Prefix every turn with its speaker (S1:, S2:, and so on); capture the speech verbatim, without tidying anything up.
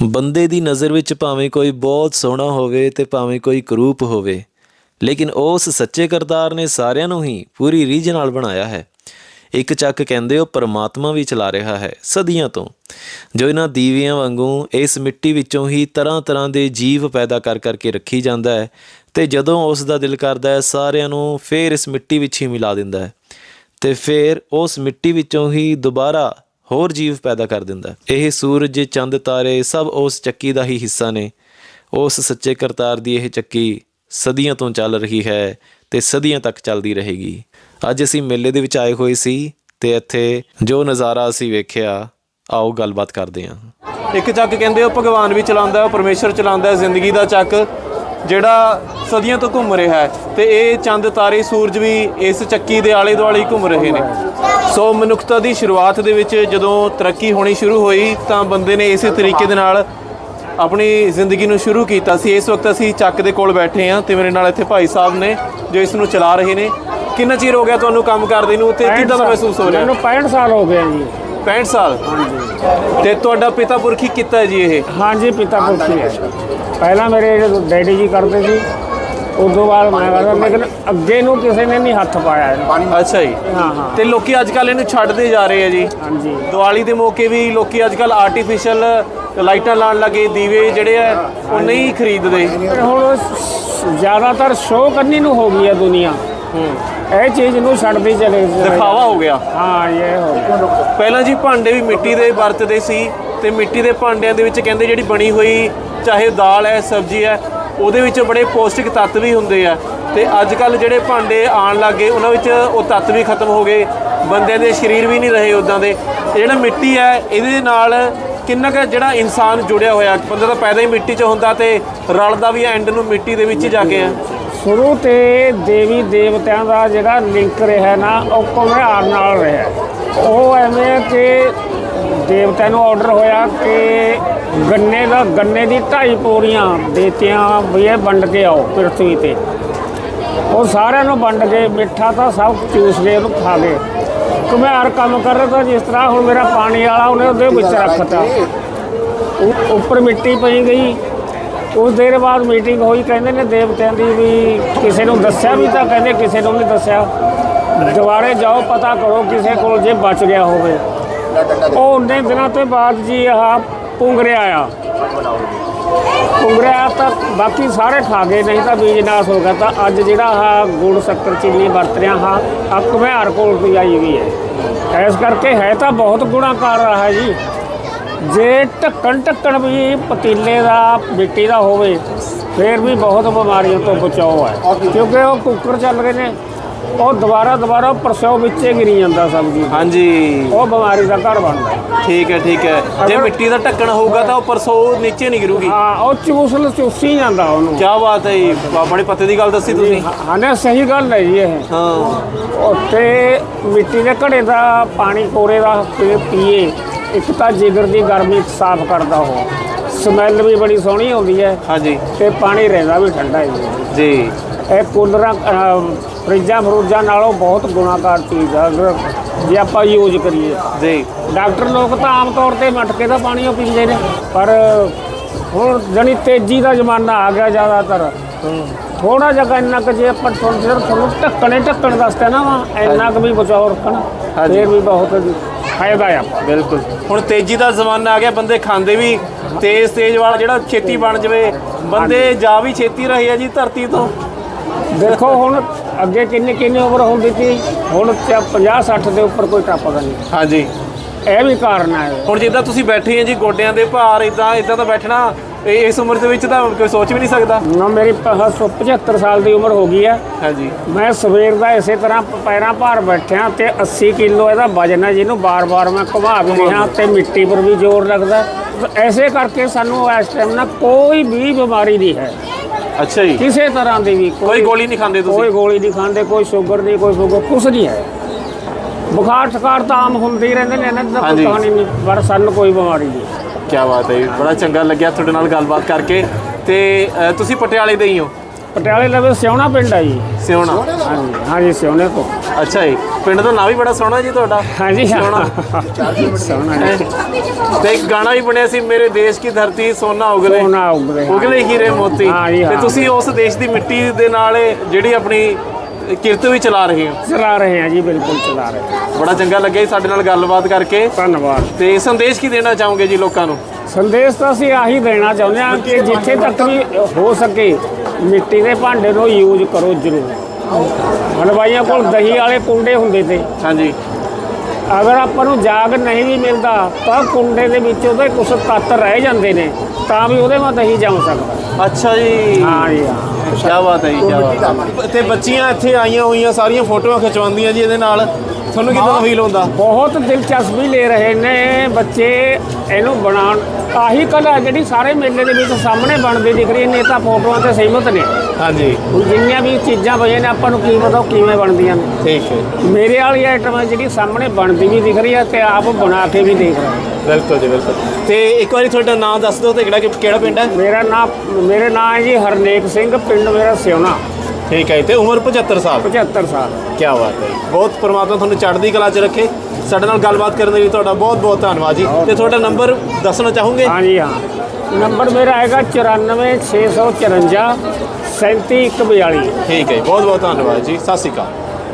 S1: ਬੰਦੇ ਦੀ ਨਜ਼ਰ ਵਿੱਚ ਭਾਵੇਂ ਕੋਈ ਬਹੁਤ ਸੋਹਣਾ ਹੋਵੇ ਤੇ ਭਾਵੇਂ ਕੋਈ ਕਰੂਪ ਹੋਵੇ, ਲੇਕਿਨ ਉਸ ਸੱਚੇ ਕਰਤਾਰ ਨੇ ਸਾਰਿਆਂ ਨੂੰ ਹੀ ਪੂਰੀ ਰੀਝ ਨਾਲ ਬਣਾਇਆ ਹੈ। ਇੱਕ ਚੱਕ ਕਹਿੰਦੇ ਉਹ ਪਰਮਾਤਮਾ ਵੀ ਚਲਾ ਰਿਹਾ ਹੈ ਸਦੀਆਂ ਤੋਂ, ਜੋ ਇਹਨਾਂ ਦੀਵਿਆਂ ਵਾਂਗੂ ਇਸ ਮਿੱਟੀ ਵਿੱਚੋਂ ਹੀ ਤਰ੍ਹਾਂ ਤਰ੍ਹਾਂ ਦੇ ਜੀਵ ਪੈਦਾ ਕਰ ਕਰਕੇ ਰੱਖੀ ਜਾਂਦਾ ਹੈ ਅਤੇ ਜਦੋਂ ਉਸ ਦਾ ਦਿਲ ਕਰਦਾ ਹੈ ਸਾਰਿਆਂ ਨੂੰ ਫਿਰ ਇਸ ਮਿੱਟੀ ਵਿੱਚ ਹੀ ਮਿਲਾ ਦਿੰਦਾ ਹੈ ਅਤੇ ਫਿਰ ਉਸ ਮਿੱਟੀ ਵਿੱਚੋਂ ਹੀ ਦੁਬਾਰਾ ਹੋਰ ਜੀਵ ਪੈਦਾ ਕਰ ਦਿੰਦਾ। ਇਹ ਸੂਰਜ, ਚੰਦ, ਤਾਰੇ ਸਭ ਉਸ ਚੱਕੀ ਦਾ ਹੀ ਹਿੱਸਾ ਨੇ। ਉਸ ਸੱਚੇ ਕਰਤਾਰ ਦੀ ਇਹ ਚੱਕੀ ਸਦੀਆਂ ਤੋਂ ਚੱਲ ਰਹੀ ਹੈ ਅਤੇ ਸਦੀਆਂ ਤੱਕ ਚੱਲਦੀ ਰਹੇਗੀ। ਅੱਜ ਅਸੀਂ ਮੇਲੇ ਦੇ ਵਿੱਚ ਆਏ ਹੋਏ ਸੀ ਅਤੇ ਇੱਥੇ ਜੋ ਨਜ਼ਾਰਾ ਅਸੀਂ ਵੇਖਿਆ, ਆਓ ਗੱਲਬਾਤ ਕਰਦੇ ਹਾਂ।
S2: ਇੱਕ ਚੱਕ ਕਹਿੰਦੇ ਉਹ ਭਗਵਾਨ ਵੀ ਚਲਾਉਂਦਾ, ਉਹ ਪਰਮੇਸ਼ਰ ਚਲਾਉਂਦਾ ਜ਼ਿੰਦਗੀ ਦਾ ਚੱਕ ਜਿਹੜਾ ਸਦੀਆਂ ਤੋਂ ਘੁੰਮ ਰਿਹਾ ਹੈ ਅਤੇ ਇਹ ਚੰਦ, ਤਾਰੇ, ਸੂਰਜ ਵੀ ਇਸ ਚੱਕੀ ਦੇ ਆਲੇ ਦੁਆਲੇ ਹੀ ਘੁੰਮ ਰਹੇ ਨੇ। ਸੋ ਮਨੁੱਖਤਾ ਦੀ ਸ਼ੁਰੂਆਤ ਦੇ ਵਿੱਚ ਜਦੋਂ ਤਰੱਕੀ ਹੋਣੀ ਸ਼ੁਰੂ ਹੋਈ ਤਾਂ ਬੰਦੇ ਨੇ ਇਸੇ ਤਰੀਕੇ ਦੇ ਨਾਲ ਆਪਣੀ ਜ਼ਿੰਦਗੀ ਨੂੰ ਸ਼ੁਰੂ ਕੀਤਾ ਸੀ। ਇਸ ਵਕਤ ਅਸੀਂ ਚੱਕ ਦੇ ਕੋਲ ਬੈਠੇ ਹਾਂ ਅਤੇ ਮੇਰੇ ਨਾਲ ਇੱਥੇ ਭਾਈ ਸਾਹਿਬ ਨੇ ਜੋ ਇਸ ਨੂੰ ਚਲਾ ਰਹੇ ਨੇ। ਕਿੰਨਾ ਚਿਰ ਹੋ ਗਿਆ ਤੁਹਾਨੂੰ ਕੰਮ ਕਰਦੇ ਨੂੰ ਅਤੇ ਕਿੱਦਾਂ ਦਾ ਮਹਿਸੂਸ ਹੋ ਰਿਹਾ?
S3: ਮੈਨੂੰ ਪੈਂਹਠ ਸਾਲ ਹੋ ਗਏ ਜੀ।
S2: ਪੈਂਹਠ ਸਾਲ? ਹਾਂਜੀ। ਅਤੇ ਤੁਹਾਡਾ ਪਿਤਾ ਪੁਰਖੀ ਕੀਤਾ ਹੈ ਜੀ ਇਹ?
S3: ਹਾਂਜੀ, ਪਿਤਾ ਪੁਰਖੀ ਹੈ। ਪਹਿਲਾਂ ਮੇਰੇ ਡੈਡੀ ਜੀ ਕਰਦੇ ਸੀ, ਉਸ ਤੋਂ ਬਾਅਦ ਮੈਂ ਕਰਦਾ, ਲੇਕਿਨ ਅੱਗੇ ਨੂੰ ਕਿਸੇ ਨੇ ਨਹੀਂ ਹੱਥ ਪਾਇਆ।
S2: ਅੱਛਾ ਜੀ।
S3: ਹਾਂ ਹਾਂ।
S2: ਅਤੇ ਲੋਕ ਅੱਜ ਕੱਲ੍ਹ ਇਹਨੂੰ ਛੱਡਦੇ ਜਾ ਰਹੇ ਆ ਜੀ।
S3: ਹਾਂਜੀ।
S2: ਦੀਵਾਲੀ ਦੇ ਮੌਕੇ ਵੀ ਲੋਕ ਅੱਜ ਕੱਲ੍ਹ ਆਰਟੀਫਿਸ਼ਲ ਲਾਈਟਾਂ ਲਾਉਣ ਲੱਗੇ, ਦੀਵੇ ਜਿਹੜੇ ਆ ਉਹ ਨਹੀਂ ਖਰੀਦਦੇ।
S3: ਹੁਣ ਜ਼ਿਆਦਾਤਰ ਸ਼ੋਅ ਕਰਨੀ ਨੂੰ ਹੋ ਗਈ ਹੈ ਦੁਨੀਆ, ਇਹ ਚੀਜ਼ ਨੂੰ ਛੱਡਦੀ ਚਲੇ,
S2: ਦਿਖਾਵਾ ਹੋ ਗਿਆ।
S3: ਹਾਂ, ਇਹ ਹੋ ਗਿਆ।
S2: ਪਹਿਲਾਂ ਜੀ ਭਾਂਡੇ ਵੀ ਮਿੱਟੀ ਦੇ ਵਰਤਦੇ ਸੀ ਅਤੇ ਮਿੱਟੀ ਦੇ ਭਾਂਡਿਆਂ ਦੇ ਵਿੱਚ ਕਹਿੰਦੇ ਜਿਹੜੀ ਬਣੀ ਹੋਈ ਚਾਹੇ ਦਾਲ ਹੈ, ਸਬਜ਼ੀ ਹੈ, ਉਹਦੇ ਵਿੱਚ ਬੜੇ ਪੌਸ਼ਟਿਕ ਤੱਤ ਵੀ ਹੁੰਦੇ ਆ। ਅਤੇ ਅੱਜ ਕੱਲ੍ਹ ਜਿਹੜੇ ਭਾਂਡੇ ਆਉਣ ਲੱਗ ਗਏ ਉਹਨਾਂ ਵਿੱਚ ਉਹ ਤੱਤ ਵੀ ਖਤਮ ਹੋ ਗਏ, ਬੰਦਿਆਂ ਦੇ ਸਰੀਰ ਵੀ ਨਹੀਂ ਰਹੇ ਉੱਦਾਂ ਦੇ। ਜਿਹੜਾ ਮਿੱਟੀ ਹੈ ਇਹਦੇ ਨਾਲ ਕਿੰਨਾ ਕੁ ਜਿਹੜਾ ਇਨਸਾਨ ਜੁੜਿਆ ਹੋਇਆ, ਬੰਦਾ ਤਾਂ ਪੈਦਾ ਹੀ ਮਿੱਟੀ 'ਚ ਹੁੰਦਾ ਅਤੇ ਰਲਦਾ ਵੀ ਐਂਡ ਨੂੰ ਮਿੱਟੀ ਦੇ ਵਿੱਚ ਹੀ ਜਾ ਕੇ ਆ।
S3: ਸ਼ੁਰੂ ਤੇ ਦੇਵੀ ਦੇਵਤਿਆਂ ਦਾ ਜਿਹੜਾ ਲਿੰਕ ਰਿਹਾ ਨਾ ਉਹ ਘੁਮਿਆਰ ਨਾਲ ਰਿਹਾ। ਉਹ ਐਵੇਂ ਕਿ ਦੇਵਤਿਆਂ ਨੂੰ ਆਰਡਰ ਹੋਇਆ ਕਿ ਗੰਨੇ ਦਾ ਗੰਨੇ ਦੀ ਢਾਈ ਪੌੜੀਆਂ ਦੇਤੀਆਂ ਵੀ ਇਹ ਵੰਡ ਕੇ ਆਓ ਪ੍ਰਿਥਵੀ 'ਤੇ। ਉਹ ਸਾਰਿਆਂ ਨੂੰ ਵੰਡ ਕੇ ਮਿੱਠਾ ਤਾਂ ਸਭ ਚੂਸ ਗਏ, ਉਹਨੂੰ ਖਾ ਗਏ। ਘੁਮਿਆਰ ਕੰਮ ਕਰ ਰਿਹਾ ਤਾਂ ਜਿਸ ਤਰ੍ਹਾਂ ਹੁਣ ਮੇਰਾ ਪਾਣੀ ਵਾਲਾ ਉਹਨੇ ਉਹਦੇ ਵਿੱਚ ਰੱਖਤਾ, ਉੱਪਰ ਮਿੱਟੀ ਪਈ ਗਈ। ਉਸ ਦੇਰ ਬਾਅਦ ਮੀਟਿੰਗ ਹੋਈ, ਕਹਿੰਦੇ ਨੇ ਦੇਵਤਿਆਂ ਦੀ ਵੀ ਕਿਸੇ ਨੂੰ ਦੱਸਿਆ ਵੀ ਤਾਂ ਕਹਿੰਦੇ ਕਿਸੇ ਨੂੰ ਨਹੀਂ ਦੱਸਿਆ, ਦੁਬਾਰੇ ਜਾਓ ਪਤਾ ਕਰੋ ਕਿਸੇ ਕੋਲ ਜੇ ਬਚ ਗਿਆ ਹੋਵੇ। ਉਹ ਉਨੇ ਦਿਨਾਂ ਤੋਂ ਬਾਅਦ ਜੀ ਆਹ ਪੁੰਗਰਿਆ ਆਇਆ। ਪੁੰਗਰਿਆ ਤਾਂ ਬਾਕੀ ਸਾਰੇ ਖਾ ਗਏ, ਨਹੀਂ ਤਾਂ ਬੀਜ ਨਾਸ ਹੋ ਗਿਆ। ਤਾਂ ਅੱਜ ਜਿਹੜਾ ਆਹ ਗੁੜ, ਸ਼ੱਕਰ, ਚੀਨੀ ਵਰਤ ਰਿਹਾ ਹਾਂ ਆ ਘੁਮਿਆਰ ਕੋਲ ਤੋਂ ਆਈ ਵੀ ਹੈ। ਇਸ ਕਰਕੇ ਹੈ ਤਾਂ ਬਹੁਤ ਗੁਣਾਕਾਰ ਰਹਾ ਜੀ। ਜੇ ਢੱਕਣ ਢੱਕਣ ਵੀ ਪਤੀਲੇ ਦਾ ਮਿੱਟੀ ਦਾ ਹੋਵੇ ਫਿਰ ਵੀ ਬਹੁਤ ਬਿਮਾਰੀਆਂ ਤੋਂ ਬਚਾਓ ਹੈ, ਕਿਉਂਕਿ ਉਹ ਕੁੱਕਰ ਚੱਲ ਰਹੇ ਨੇ, ਉਹ ਦੁਬਾਰਾ ਦੁਬਾਰਾ ਪਰਸੋਂ ਵਿੱਚੇ ਗਿਰੀ ਜਾਂਦਾ ਸਬਜ਼ੀ।
S2: ਹਾਂਜੀ। ਉਹ
S3: ਬਿਮਾਰੀ ਦਾ ਘਰ ਬਣਦਾ।
S2: ਠੀਕ ਹੈ ਠੀਕ ਹੈ। ਜੇ ਮਿੱਟੀ ਦਾ ਢੱਕਣ ਹੋਊਗਾ ਤਾਂ ਉਹ ਪਰਸੋਂ ਨੀਚੇ ਨਹੀਂ ਗਿਰੂਗੀ।
S3: ਹਾਂ, ਉਹ ਚੂਸਲ ਚੂਸੀ ਜਾਂਦਾ ਉਹਨੂੰ।
S2: ਕਿਆ ਬਾਤ ਹੈ ਜੀ, ਬੜੇ ਪਤੇ ਦੀ ਗੱਲ ਦੱਸੀ ਤੁਸੀਂ।
S3: ਹਾਂ ਨਾ, ਸਹੀ ਗੱਲ ਹੈ ਜੀ ਇਹ।
S2: ਹਾਂ।
S3: ਉੱਥੇ ਮਿੱਟੀ ਦੇ ਘੜੇ ਦਾ ਪਾਣੀ ਕੋਰੇ ਦਾ ਪੀਏ, ਇੱਕ ਤਾਂ ਜਿਗਰ ਦੀ ਗਰਮੀ ਸਾਫ਼ ਕਰਦਾ, ਉਹ ਸਮੈਲ ਵੀ ਬੜੀ ਸੋਹਣੀ ਆਉਂਦੀ ਹੈ। ਹਾਂਜੀ। ਅਤੇ ਪਾਣੀ ਰਹਿੰਦਾ ਵੀ ਠੰਡਾ ਹੈ ਜੀ। ਇਹ ਕੂਲਰਾਂ, ਫਰਿੱਜਾਂ ਫਰੂਜਾਂ ਨਾਲੋਂ ਬਹੁਤ ਗੁਣਾਕਾਰ ਚੀਜ਼ ਆ ਅਗਰ ਜੇ ਆਪਾਂ ਯੂਜ ਕਰੀਏ ਜੀ। ਡਾਕਟਰ ਲੋਕ ਤਾਂ ਆਮ ਤੌਰ 'ਤੇ ਮਟਕੇ ਦਾ ਪਾਣੀ ਉਹ ਪੀਂਦੇ ਨੇ, ਪਰ ਹੁਣ ਜਾਣੀ ਤੇਜ਼ੀ ਦਾ ਜ਼ਮਾਨਾ ਆ ਗਿਆ ਜ਼ਿਆਦਾਤਰ। ਥੋੜ੍ਹਾ ਜਿਹਾ ਇੰਨਾ ਕੁ ਜੇ ਆਪਾਂ ਤੁਹਾਨੂੰ ਢੱਕਣੇ ਢੱਕਣ ਦੱਸਦੇ ਨਾ ਵਾ ਇੰਨਾ ਕੁ ਵੀ ਬਚਾਓ ਰੱਖਣਾ, ਫਿਰ ਵੀ ਬਹੁਤ ਫਾਇਦਾ ਆ।
S2: ਬਿਲਕੁਲ। ਹੁਣ ਤੇਜ਼ੀ ਦਾ ਜ਼ਮਾਨਾ ਆ ਗਿਆ, ਬੰਦੇ ਖਾਂਦੇ ਵੀ ਤੇਜ਼ ਤੇਜ਼ ਵਾਲਾ ਜਿਹੜਾ ਛੇਤੀ ਬਣ ਜਾਵੇ, ਬੰਦੇ ਜਾ ਵੀ ਛੇਤੀ ਰਹੇ ਆ ਜੀ ਧਰਤੀ ਤੋਂ।
S3: ਦੇਖੋ ਹੁਣ ਅੱਗੇ ਕਿੰਨੀ ਕਿੰਨੀ ਉਮਰ ਹੁੰਦੀ ਸੀ, ਹੁਣ ਪੰਜਾਹ ਸੱਠ ਦੇ ਉੱਪਰ ਕੋਈ ਟੱਪਦਾ ਨਹੀਂ। ਹਾਂਜੀ। ਇਹ ਵੀ ਕਾਰਨ ਹੈ।
S2: ਹੁਣ ਜਿੱਦਾਂ ਤੁਸੀਂ ਬੈਠੇ ਆ ਜੀ, ਗੋਡਿਆਂ ਦੇ ਭਾਰ ਇੱਦਾਂ ਇੱਦਾਂ ਤਾਂ ਬੈਠਣਾ ਇਸ ਉਮਰ ਦੇ ਵਿੱਚ ਤਾਂ ਕੋਈ ਸੋਚ ਵੀ ਨਹੀਂ ਸਕਦਾ
S3: ਨਾ। ਮੇਰੀ ਪਝੱਤਰ ਸਾਲ ਦੀ ਉਮਰ ਹੋ ਗਈ ਹੈ। ਹਾਂਜੀ। ਮੈਂ ਸਵੇਰ ਦਾ ਇਸੇ ਤਰ੍ਹਾਂ ਪੈਰਾਂ ਭਾਰ ਬੈਠਿਆ ਅਤੇ ਅੱਸੀ ਕਿਲੋ ਇਹਦਾ ਵਜਨ ਹੈ, ਜਿਹਨੂੰ ਬਾਰ ਬਾਰ ਮੈਂ ਘੁਮਾ ਵੀ ਰਿਹਾ ਅਤੇ ਮਿੱਟੀ ਪਰ ਵੀ ਜ਼ੋਰ ਲੱਗਦਾ। ਐਸੇ ਕਰਕੇ ਸਾਨੂੰ ਇਸ ਟਾਈਮ ਨਾ ਕੋਈ ਵੀ ਬਿਮਾਰੀ ਨਹੀਂ ਹੈ।
S2: ਅੱਛਾ ਜੀ।
S3: ਕਿਸੇ ਤਰ੍ਹਾਂ ਦੀ ਵੀ
S2: ਕੋਈ ਗੋਲੀ ਨਹੀਂ ਖਾਂਦੇ ਤੁਸੀਂ?
S3: ਕੋਈ ਗੋਲੀ ਨਹੀਂ ਖਾਂਦੇ, ਕੋਈ ਸ਼ੂਗਰ ਨਹੀਂ, ਕੋਈ ਸ਼ੂਗਰ ਕੁਛ ਨਹੀਂ ਹੈ। ਬੁਖਾਰ ਠਕਾਰ ਤਾਂ ਆਮ ਹੁੰਦੇ ਹੀ ਰਹਿੰਦੇ ਨੇ, ਇਹਨਾਂ ਦੀ ਤਾਂ ਕੋਈ ਕਹਾਣੀ ਨਹੀਂ, ਪਰ ਸਾਨੂੰ ਕੋਈ ਬਿਮਾਰੀ ਨਹੀਂ।
S2: ਕਿਆ ਬਾਤ ਹੈ ਜੀ, ਬੜਾ ਚੰਗਾ ਲੱਗਿਆ ਤੁਹਾਡੇ ਨਾਲ ਗੱਲਬਾਤ ਕਰਕੇ। ਅਤੇ ਤੁਸੀਂ ਪਟਿਆਲੇ ਦੇ ਹੀ ਹੋ?
S3: ਪਟਿਆਲੇ ਲਵੇ ਸਿਉਣਾ ਪਿੰਡ ਆ ਜੀ।
S2: ਸਿਉਣਾ।
S3: ਹਾਂਜੀ ਹਾਂਜੀ ਸਿਉਣੇ ਤੋਂ।
S2: ਅੱਛਾ ਜੀ, ਪਿੰਡ ਦਾ ਨਾਂ ਵੀ ਬੜਾ ਸੋਹਣਾ ਜੀ ਤੁਹਾਡਾ।
S3: ਹਾਂਜੀ
S2: ਸਿਉਣਾ।
S3: ਸਿਉਣਾ ਜੀ।
S2: ਤੇ ਇੱਕ ਗਾਣਾ ਵੀ ਬਣਿਆ ਸੀ, ਮੇਰੇ ਦੇਸ਼ ਕੀ ਧਰਤੀ ਸੋਨਾ ਉਗਲੇ
S3: ਸੋਨਾ ਉਗਲੇ
S2: ਉਗਲੇ ਹੀਰੇ ਮੋਤੀ।
S3: ਹਾਂ ਜੀ,
S2: ਤੇ
S3: ਹਾਂ।
S2: ਤੁਸੀਂ ਉਸ ਦੇਸ਼ ਦੀ ਮਿੱਟੀ ਦੇ ਨਾਲ ਜਿਹੜੀ ਆਪਣੀ ਕਿਰਤ ਵੀ ਚਲਾ ਰਹੇ ਹੋ।
S3: ਚਲਾ ਰਹੇ ਹਾਂ ਜੀ, ਬਿਲਕੁਲ ਚਲਾ ਰਹੇ ਹਾਂ।
S2: ਬੜਾ ਚੰਗਾ ਲੱਗਿਆ ਜੀ ਸਾਡੇ ਨਾਲ ਗੱਲਬਾਤ ਕਰਕੇ।
S3: ਧੰਨਵਾਦ।
S2: ਤੇ ਸੰਦੇਸ਼ ਕੀ ਦੇਣਾ ਚਾਹੋਗੇ ਜੀ ਲੋਕਾਂ ਨੂੰ?
S3: ਸੰਦੇਸ਼ ਤਾਂ ਅਸੀਂ ਆਹੀ ਦੇਣਾ ਚਾਹੁੰਦੇ ਹਾਂ ਕਿ ਜਿੱਥੇ ਤੱਕ ਵੀ ਹੋ ਸਕੇ ਮਿੱਟੀ ਦੇ ਭਾਂਡੇ ਨੂੰ ਯੂਜ਼ ਕਰੋ ਜ਼ਰੂਰ। ਹਲਵਾਈਆਂ ਕੋਲ ਦਹੀਂ ਵਾਲੇ ਕੁੰਡੇ ਹੁੰਦੇ ਤੇ,
S2: ਹਾਂਜੀ।
S3: ਅਗਰ ਆਪਾਂ ਨੂੰ ਜਾਗ ਨਹੀਂ ਵੀ ਮਿਲਦਾ ਤਾਂ ਕੁੰਡੇ ਦੇ ਵਿੱਚ ਉਹਦੇ ਕੁਝ ਤੱਤ ਰਹਿ ਜਾਂਦੇ ਨੇ, ਤਾਂ ਵੀ ਉਹਦੇ ਮਾ ਦਹੀਂ ਜੰਮ ਸਕਦਾ।
S2: ਅੱਛਾ ਜੀ।
S3: ਹਾਂ ਜੀ ਹਾਂ।
S2: ਕੀ ਬਾਤ ਹੈ ਜੀ, ਕੀ ਬਾਤ ਹੈ। ਤੇ ਬੱਚੀਆਂ ਇੱਥੇ ਆਈਆਂ ਹੋਈਆਂ ਸਾਰੀਆਂ ਫੋਟੋਆਂ ਖਿਚਵਾਉਂਦੀਆਂ ਜੀ ਇਹਦੇ ਨਾਲ, ਤੁਹਾਨੂੰ ਕਿਦਾਂ ਫੀਲ ਹੁੰਦਾ?
S3: ਬਹੁਤ ਦਿਲਚਸਪੀ ਲੈ ਰਹੇ ਨੇ ਬੱਚੇ ਇਹਨੂੰ ਬਣਾਉਣ। ਆਹੀ ਕਲਾ ਜਿਹੜੀ ਸਾਰੇ ਮੇਲੇ ਦੇ ਵਿੱਚ ਸਾਹਮਣੇ ਬਣਦੀ ਦਿਖ ਰਹੀ ਨੇ, ਤਾਂ ਫੋਟੋਆਂ ਤੇ ਸਹਿਮਤ ਨੇ।
S2: ਹਾਂਜੀ।
S3: ਹੁਣ ਜਿੰਨੀਆਂ ਵੀ ਚੀਜ਼ਾਂ ਪਈਆਂ ਨੇ ਆਪਾਂ ਨੂੰ ਕੀ ਪਤਾ ਉਹ ਕਿਵੇਂ ਬਣਦੀਆਂ ਨੇ।
S2: ਠੀਕ ਹੈ।
S3: ਮੇਰੇ ਵਾਲੀ ਆਈਟਮ ਹੈ ਜਿਹੜੀ ਸਾਹਮਣੇ ਬਣਦੀ ਵੀ ਦਿਖ ਰਹੀ ਹੈ ਤੇ ਆਪ ਬਣਾ ਕੇ ਵੀ ਦੇਖ ਰਹੇ ਹਾਂ।
S2: ਬਿਲਕੁਲ ਜੀ, ਬਿਲਕੁਲ। ਤੇ ਇੱਕ ਵਾਰੀ ਤੁਹਾਡਾ ਨਾਮ ਦੱਸ ਦਿਓ ਤੇ ਕਿਹੜਾ ਕਿਹੜਾ ਪਿੰਡ ਹੈ?
S3: ਮੇਰਾ ਨਾਮ ਮੇਰੇ ਨਾਮ ਹੈ ਜੀ ਹਰਨੇਕ ਸਿੰਘ, ਪਿੰਡ ਮੇਰਾ ਸਿਉਣਾ।
S2: ਠੀਕ ਹੈ। ਤੇ ਉਮਰ ਪਝੱਤਰ ਸਾਲ।
S3: ਪਝੱਤਰ ਸਾਲ।
S2: ਕੀ ਬਾਤ ਹੈ ਜੀ। ਬਹੁਤ ਪਰਮਾਤਮਾ ਤੁਹਾਨੂੰ ਚੜ੍ਹਦੀ ਕਲਾ 'ਚ ਰੱਖੇ। ਸਾਡੇ ਨਾਲ ਗੱਲਬਾਤ ਕਰਨ ਦੇ ਲਈ ਤੁਹਾਡਾ ਬਹੁਤ ਬਹੁਤ ਧੰਨਵਾਦ ਜੀ। ਤੇ ਤੁਹਾਡਾ ਨੰਬਰ ਦੱਸਣਾ ਚਾਹੋਗੇ?
S3: ਹਾਂ ਜੀ ਹਾਂ। ਨੰਬਰ ਮੇਰਾ ਹੈਗਾ ਚੁਰਾਨਵੇਂ ਛੇ ਸੌ ਚੁਰੰਜਾ ਸੈਂਤੀ ਇੱਕ ਬਿਆਲੀ।
S2: ਠੀਕ ਹੈ, ਬਹੁਤ ਬਹੁਤ ਧੰਨਵਾਦ ਜੀ। ਸਤਿ ਸ਼੍ਰੀ ਅਕਾਲ।